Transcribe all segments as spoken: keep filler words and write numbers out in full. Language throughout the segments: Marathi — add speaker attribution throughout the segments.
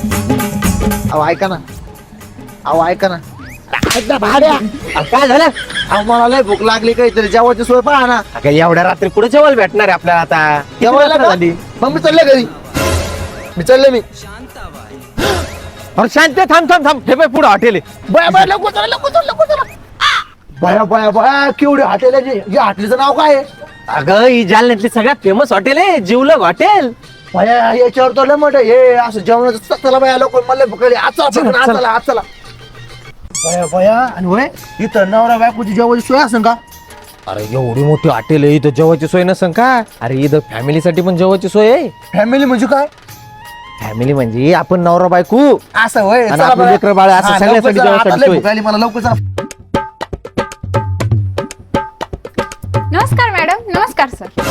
Speaker 1: अहो ऐका ना, अहो ऐका ना, ऐक ना भाड्या.
Speaker 2: अहो, काय झालं?
Speaker 1: अहो मला लय भूक लागली, काहीतरी जेवायची सोय पहा ना.
Speaker 2: अगं, एवढ्या रात्री कुठे जेवायला भेटणार आहे आपल्याला आता?
Speaker 1: जेवायला का?
Speaker 2: झाली.
Speaker 1: मग मी चालले घरी, मी चालले मी.
Speaker 2: अरे शांत थांब थांब थांब. हे बाय पुढे हॉटेल आहे.
Speaker 1: बया बया लवकर चला, लवकर चला, लवकर चला. बया बया बया केवढी हॉटेल आहे. या हॉटेलचं नाव काय आहे?
Speaker 2: अगं, ही जालन्यातली सगळ्यात फेमस हॉटेल आहे, जिवलग हॉटेल.
Speaker 1: बया याच्यावर तर लय मोठं हे असं जेवणाचं. चला बया लवकर, मला लय भूक लागली. आज चला पटकन, आज चला, आज चला. बया बया आणि होय इथं नवरा बायकोची जेवायची सोय असेल का?
Speaker 2: अरे एवढी मोठी हॉटेल आहे, इथं जेवायची सोय नसन का? अरे इथं फॅमिलीसाठी पण जेवायची सोय आहे.
Speaker 1: फॅमिली म्हणजे काय?
Speaker 2: फॅमिली म्हणजे आपण नवरा बायको
Speaker 1: असं होय.
Speaker 2: आणि
Speaker 1: चला
Speaker 2: आपलं
Speaker 1: बया.
Speaker 2: लेकरं बाळ असं
Speaker 1: हा,
Speaker 2: सगळ्यासाठी
Speaker 1: लवकर चला,
Speaker 2: जेवायसाठी
Speaker 1: आता लय
Speaker 2: सोय.
Speaker 1: भूक लागली मला, लवकर चला.
Speaker 3: नमस्कार मॅडम. नमस्कार सर.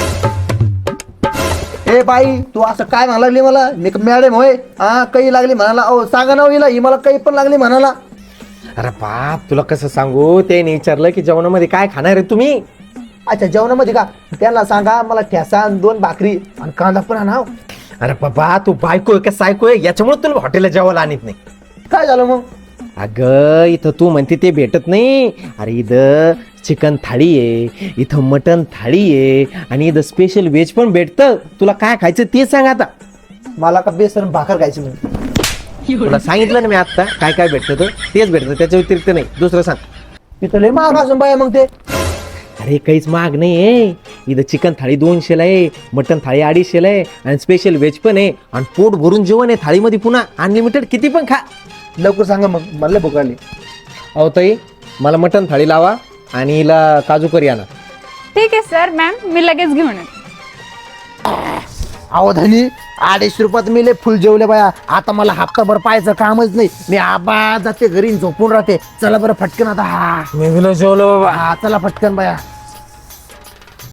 Speaker 1: ए बाई तू असं काय म्हणायला लागली मला? मी मॅडम होय? हा काही लागली म्हणाला. अहो सांगा ना हिला, ही मला काही पण लागली म्हणाला.
Speaker 2: अरे बाप, तुला कसं सांगू? त्याने विचारलं की जेवणामध्ये काय खाणार आहे तुम्ही?
Speaker 1: अच्छा जेवणामध्ये का? त्यांना सांगा मला ठेसा आणि दोन भाकरी आणि कांदा पण आणा.
Speaker 2: अरे बाबा, तू बायको आहे का सायको आहे? याच्यामुळे तुला हॉटेलला जेवायला आणत नाही.
Speaker 1: काय झालं मग?
Speaker 2: अगं, इथं तू म्हणते ते भेटत नाही. अरे इथं चिकन थाळी आहे, इथं मटन थाळी आहे आणि इथं स्पेशल व्हेज पण भेटतं. तुला काय खायचं ते सांग आता.
Speaker 1: मला का बेसन भाकर खायची म्हणून.
Speaker 2: तुला सांगितलं ना मी आता काय काय भेटतं, तर तेच भेटतं, त्याच्या व्यतिरिक्त नाही. दुसरं सांग.
Speaker 1: तिथं लय महाग असून बाया मग ते.
Speaker 2: अरे काहीच महाग नाही आहे. इथं चिकन थाळी दोनशेला आहे, मटन थाळी अडीचशेला आहे आणि स्पेशल व्हेज पण आहे आणि पोट भरून जेवण आहे थाळीमध्ये. पुन्हा अनलिमिटेड किती पण खा.
Speaker 1: लवकर सांगा मग, मला लय भूक लागली.
Speaker 2: अहो ताई, मला मटन थाळी लावा आणि हिला काजू करी आणा.
Speaker 3: ठीक आहे सर. मॅम मी लगेच घेऊन येते.
Speaker 1: अहो धनी अडीचशे रुपयात मी लय फुल जेवले बाया. आता मला हप्ताभर पाहायचं कामच नाही. मी आबा जाते घरी झोपून राहते. चला बरं फटकन आता. हा
Speaker 2: मी जेवलो बाबा.
Speaker 1: हा चला फटकन बाया.